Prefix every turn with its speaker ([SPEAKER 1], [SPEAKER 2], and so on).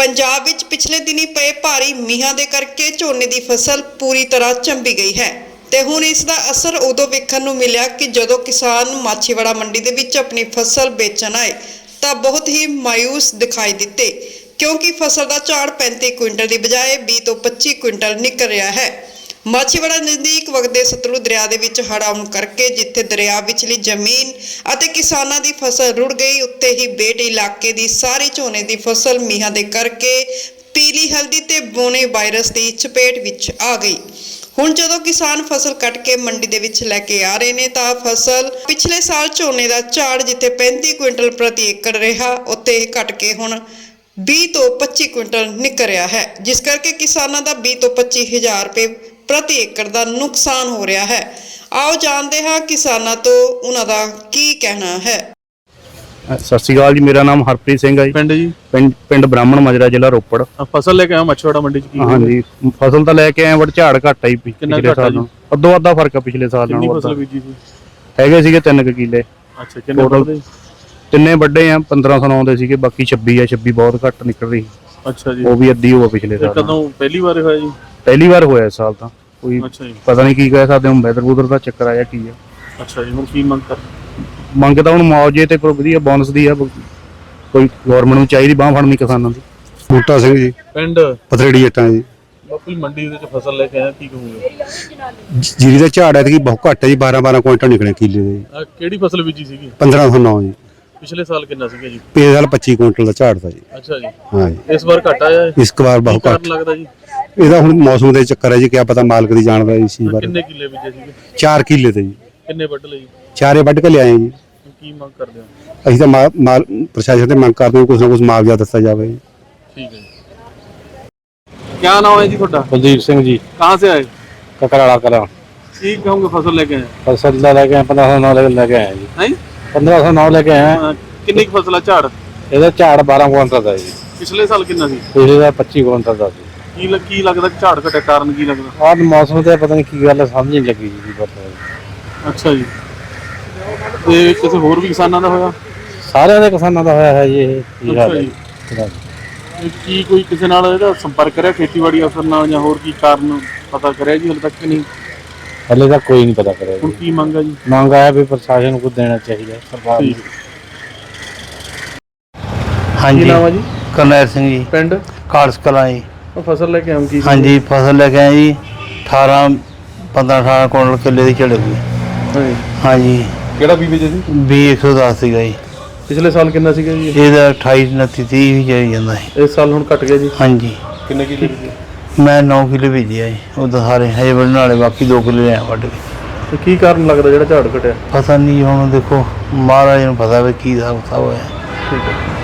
[SPEAKER 1] पंजाब विच पिछले दिनी पए भारी मीहां दे करके झोने की फसल पूरी तरह झंबी गई है ते हुण इस दा असर उदों वेखण नूं मिलिया कि जदों किसान माछीवाड़ा मंडी दे विच अपनी फसल बेचण आए तां बहुत ही मायूस दिखाई दिते, क्योंकि फसल का झाड़ 35 क्विंटल की बजाय 20 तो 25 क्विंटल निकल रहा है। माछीवाड़ा नज़दीक वगदे सतलुज दरिया दे विच हड़ आउण करके जिथे दरिया विचली जमीन अते किसानां दी फसल रुड़ गई, उत्ते ही बेट इलाके दी सारी झोने दी फसल मीहां दे करके पीली हल्दी ते बोने वायरस की चपेट विच आ गई। हुण जदों किसान फसल कट के मंडी दे विच लैके आ रहे ने तां फसल पिछले साल झोने का झाड़ जिथे 35 क्विंटल प्रति एकड़ रहा, उत्ते घट के हुण 20 तो 25 क्विंटल निकल रहा है, जिस करके किसानों का 20 तो 25 हज़ार रुपये प्रति एकड़ का नुकसान हो रहा है। आओ जानते हैं किसानों तो उन्हां दा की कहना है।
[SPEAKER 2] सत श्री अकाल जी, मेरा नाम हरप्रीत सिंह है जी। पिंड ब्राह्मण माजरा, जिला रोपड़।
[SPEAKER 3] फसल लेके आया मछुआड़ा मंडी च?
[SPEAKER 2] हाँ जी, फसल तो लेके आए बट झाड़ घट आई पिछले साल नाल, अद्धो अद्धा फर्क है पिछले साल नाल।
[SPEAKER 3] फसल बीजी सी
[SPEAKER 2] हैगे सीगे 3 किले।
[SPEAKER 3] अच्छा, किन्ने टोटल?
[SPEAKER 2] तिन्ने ਵੱਡੇ ਆ 1509 ਦੇ ਸੀਗੇ, ਬਾਕੀ 26 ਆ। 26 ਬਹੁਤ ਘੱਟ ਨਿਕਲ ਰਹੀ।
[SPEAKER 3] ਅੱਛਾ ਜੀ,
[SPEAKER 2] ਉਹ ਵੀ ਅੱਧੀ ਹੋਆ ਪਿਛਲੇ ਸਾਲ।
[SPEAKER 3] ਕਦੋਂ ਪਹਿਲੀ ਵਾਰ ਹੋਇਆ ਜੀ?
[SPEAKER 2] ਪਹਿਲੀ ਵਾਰ ਹੋਇਆ ਇਸ ਸਾਲ ਤਾਂ। ਕੋਈ ਪਤਾ ਨਹੀਂ ਕੀ ਕਹਿ ਸਕਦੇ, ਹੁਣ ਵੈਦਰ ਵੂਦਰ ਦਾ ਚੱਕਰ ਆਇਆ ਕੀ ਆ।
[SPEAKER 3] ਅੱਛਾ ਜੀ, ਹੁਣ ਕੀ ਮੰਗ ਕਰ?
[SPEAKER 2] ਮੰਗ ਤਾਂ ਹੁਣ ਮੁਆਵਜ਼ੇ ਤੇ ਕੋਈ ਵਧੀਆ ਬੋਨਸ ਦੀ ਆ, ਕੋਈ ਗਵਰਨਮੈਂਟ ਨੂੰ ਚਾਹੀਦੀ ਬਾਹ ਫੜਨੀ ਕਿਸਾਨਾਂ ਦੀ।
[SPEAKER 4] ਬੂਟਾ ਸਿੰਘ ਜੀ,
[SPEAKER 3] ਪਿੰਡ
[SPEAKER 4] ਪਥਰੇੜੀ ਜੱਟਾਂ ਜੀ।
[SPEAKER 3] ਬਾਪੂ ਮੰਡੀ ਦੇ ਵਿੱਚ ਫਸਲ ਲੈ ਕੇ ਆਇਆ, ਕੀ ਕਹੋਗੇ?
[SPEAKER 4] ਜੀਰੀ ਦਾ ਝਾੜ ਐਤਕੀ ਬਹੁਤ ਘੱਟ ਹੈ ਜੀ, 12 ਕੁਇੰਟਲ ਨਿਕਲੇ ਕਿੱਲੇ ਦੇ।
[SPEAKER 3] ਕਿਹੜੀ ਫਸਲ ਬੀਜੀ ਸੀਗੀ?
[SPEAKER 4] 1509 ਜੀ।
[SPEAKER 3] ਪਿਛਲੇ ਸਾਲ ਕਿੰਨਾ ਸੀਗਾ ਜੀ?
[SPEAKER 4] ਪਿਛਲੇ ਸਾਲ 25 ਕੁਇੰਟਲ ਦਾ ਝਾੜ ਤਾ ਜੀ।
[SPEAKER 3] ਅੱਛਾ ਜੀ,
[SPEAKER 4] ਹਾਂ ਜੀ।
[SPEAKER 3] ਇਸ ਵਾਰ ਘਟ ਆਇਆ ਹੈ?
[SPEAKER 4] ਇਸ ਵਾਰ ਬਹੁਤ ਘੱਟ
[SPEAKER 3] ਲੱਗਦਾ ਜੀ।
[SPEAKER 4] ਇਹਦਾ ਹੁਣ ਮੌਸਮ ਦੇ ਚੱਕਰ ਹੈ ਜੀ, ਕਿਆ ਪਤਾ ਮਾਲਕ ਦੀ ਜਾਣਦਾ ਇਸ ਚੀਜ਼ ਬਾਰੇ।
[SPEAKER 3] ਕਿੰਨੇ ਕਿੱਲੇ ਬੀਜੇ ਸੀਗੇ?
[SPEAKER 4] 4 ਕਿੱਲੇ ਤੇ ਜੀ।
[SPEAKER 3] ਕਿੰਨੇ ਵੱਢ ਲਏ ਜੀ?
[SPEAKER 4] ਚਾਰੇ ਵੱਢ ਕੇ ਲਿਆਏ ਜੀ।
[SPEAKER 3] ਕੀ ਮੰਗ ਕਰਦੇ ਹੋ?
[SPEAKER 4] ਅਸੀਂ ਤਾਂ ਮਾਲ ਪ੍ਰਸ਼ਾਸਨ ਤੇ ਮੰਗ ਕਰਦੇ ਹਾਂ ਕੁਛ ਨਾ ਕੁਛ ਮੁਆਵਜ਼ਾ ਦਿੱਤਾ ਜਾਵੇ।
[SPEAKER 3] ठीक है। क्या नाम है जी ਤੁਹਾਡਾ?
[SPEAKER 2] कुलदीप सिंह जी,
[SPEAKER 3] कहाँ से आए?
[SPEAKER 2] ककराड़ा करा।
[SPEAKER 3] ठीक कहूँगे फसल लेके आए?
[SPEAKER 2] फसल लेके आए 1509 लेके आए जी।
[SPEAKER 3] हैं?
[SPEAKER 2] 1509 लेके आए।
[SPEAKER 3] कितनी फसल है झाड़?
[SPEAKER 2] ਇਹਦਾ ਝਾੜ 12 ਕੁਇੰਟਲ ਦਾ ਜੀ।
[SPEAKER 3] पिछले साल कितना सी?
[SPEAKER 2] ਪਿਛਲੇ ਦਾ 25 ਕੁਇੰਟਲ ਦਾ ਸੀ।
[SPEAKER 3] ਕੀ ਲੱਗਦਾ ਝਾੜ ਘਟੇ ਕਾਰਨ ਕੀ ਲੱਗਦਾ?
[SPEAKER 2] ਆਹ ਮੌਸਮ ਤੇ ਪਤਾ ਨਹੀਂ ਕੀ ਗੱਲ ਹੈ, ਸਮਝ ਨਹੀਂ ਲੱਗੀ ਜੀ ਪਤਾ।
[SPEAKER 3] ਅੱਛਾ ਜੀ, ਤੇ ਕਿਸੇ ਹੋਰ ਵੀ ਕਿਸਾਨਾਂ ਦਾ ਹੋਇਆ?
[SPEAKER 2] ਸਾਰਿਆਂ ਦੇ ਕਿਸਾਨਾਂ ਦਾ ਹੋਇਆ ਹੈ ਜੀ ਇਹ। ਕੀ ਹਾਲ ਹੈ
[SPEAKER 3] ਅੱਛਾ ਜੀ, ਕੀ ਕੋਈ ਕਿਸੇ ਨਾਲ ਇਹਦਾ ਸੰਪਰਕ ਕਰਿਆ ਖੇਤੀਬਾੜੀ ਅਫਸਰ ਨਾਲ, ਜਾਂ ਹੋਰ ਕੀ ਕਾਰਨ ਪਤਾ ਕਰਿਆ ਜੀ? ਹਲੇ ਤੱਕ ਕਿ ਨਹੀਂ?
[SPEAKER 2] ਹਲੇ ਤਾਂ ਕੋਈ ਨਹੀਂ ਪਤਾ ਕਰਿਆ
[SPEAKER 3] ਹੁਣ
[SPEAKER 2] ਜੀ।
[SPEAKER 3] ਕੀ ਮੰਗ ਹੈ ਜੀ?
[SPEAKER 2] ਮੰਗ ਆਇਆ ਵੀ ਪ੍ਰਸ਼ਾਸਨ ਨੂੰ ਕੁਝ ਦੇਣਾ ਚਾਹੀਦਾ ਸਰਕਾਰ ਨੂੰ।
[SPEAKER 3] ਕੀ ਨਾਮ ਹੈ ਜੀ?
[SPEAKER 2] ਕਰਨੈਲ ਸਿੰਘ ਜੀ,
[SPEAKER 3] ਪਿੰਡ
[SPEAKER 2] ਕਾਲਸ ਕਲਾਂ ਜੀ।
[SPEAKER 3] ਉਹ ਫਸਲ ਲੈ ਕੇ ਆਉਂ ਕੀ?
[SPEAKER 2] ਹਾਂਜੀ, ਫਸਲ ਲੈ ਕੇ ਆਏ ਜੀ। 15-18 ਕੁਇੰਟਲ ਕਿੱਲੇ ਦੀ ਝੜ ਗਈ। ਹਾਂਜੀ।
[SPEAKER 3] ਕਿਹੜਾ ਬੀਜ ਜੀ?
[SPEAKER 2] 110 ਸੀਗਾ ਜੀ।
[SPEAKER 3] ਪਿਛਲੇ ਸਾਲ ਕਿੰਨਾ ਸੀਗਾ ਜੀ?
[SPEAKER 2] ਇਹਦਾ 28 29 30 ਵੀ ਜਾਈ ਜਾਂਦਾ ਹੈ।
[SPEAKER 3] ਇਸ ਸਾਲ ਹੁਣ ਘਟ ਗਿਆ ਜੀ?
[SPEAKER 2] ਹਾਂਜੀ।
[SPEAKER 3] ਕਿੰਨੇ ਕਿੱਲੇ ਬੀਜੇ?
[SPEAKER 2] ਮੈਂ 9 ਕਿੱਲੇ ਭੇਜਿਆ ਜੀ, ਉਹ ਤਾਂ ਸਾਰੇ ਹਜੇ ਵੱਢਣ ਵਾਲੇ, ਬਾਕੀ 2 ਕਿੱਲੇ ਲਿਆ ਵੱਢ ਕੇ।
[SPEAKER 3] ਤੇ ਕੀ ਕਾਰਨ ਲੱਗਦਾ ਜਿਹੜਾ ਝਾੜ ਘਟਿਆ?
[SPEAKER 2] ਪਤਾ ਨਹੀਂ, ਹੁਣ ਦੇਖੋ ਮਹਾਰਾਜ ਨੂੰ ਪਤਾ ਵੀ ਕੀ ਹਿਸਾਬ ਕਿਤਾਬ ਹੋਇਆ।
[SPEAKER 3] ਠੀਕ ਹੈ।